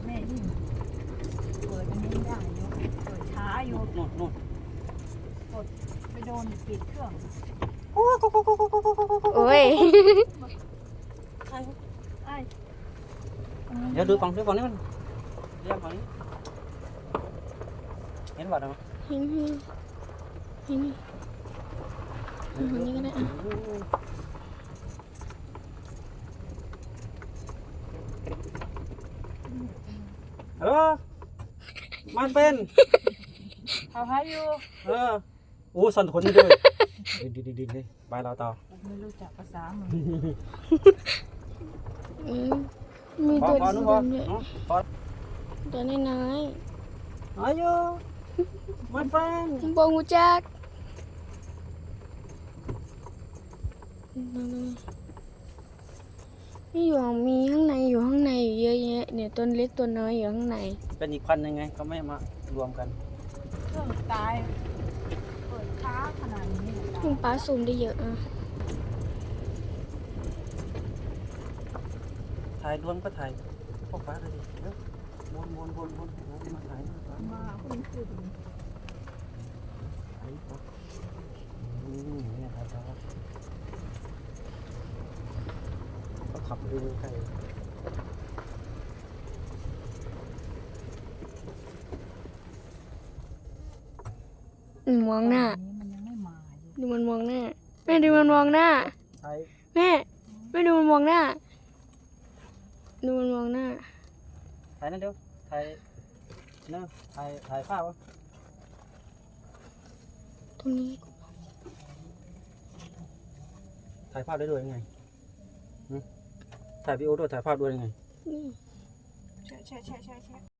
แม่ยิ่งเปิดอันนี้ไม่ได้อยู่เปิดช้าอยู่นู่นกดไปโดนปิดเครื่องโอ้ยไอ้เดี๋ยวดูฝั่งนี้มันเรียกฝั่งนี้เห็นบ่ได้ไหมเห็นฝั่งนี้ก็ได้อ่ะมันเป็นเขาหาอยู่โอ้สั่นขนนี่ด้วยดิเลยไปเราต่อไม่รู้จักภาษามึงมีพอตัวพอสีนู้นพอดำด้วยพอตัวน้อยอายุมันเป็นๆบงหูจักนี่อยู่มีข้างในอยู่ข้างในอยู่เยอะแยะเนี่ยต้นเล็กตัวน้อยอยู่ข้างในเป็นอีกพันยังไงก็ไม่มารวมกันเครื่องตายเปิดช้าขนาดนี้เลยตายคุณป้าซูมได้เยอะอ่ะถ่ายรวมก็ถ่ายพวกฟ้าเลยดิเดี๋ยววนมาถ่ายมาคุณคือเนี่ยครับก็ขับดูใกล้มองหน้ามันยังไม่มาอยู่ดูมันมองหน้าแม่ดูมันมองหน้าถ่ายแม่ดูมันมองหน้าดูมันมองหน้าถ่ายนั่นเดี๋ยวถ่ายเนาะถ่ายภาพวะตรงนี้ถ่ายภาพได้ด้วยยังไงถ่ายวิดีโอด้วยถ่ายภาพด้วยยังไงนี่ใช่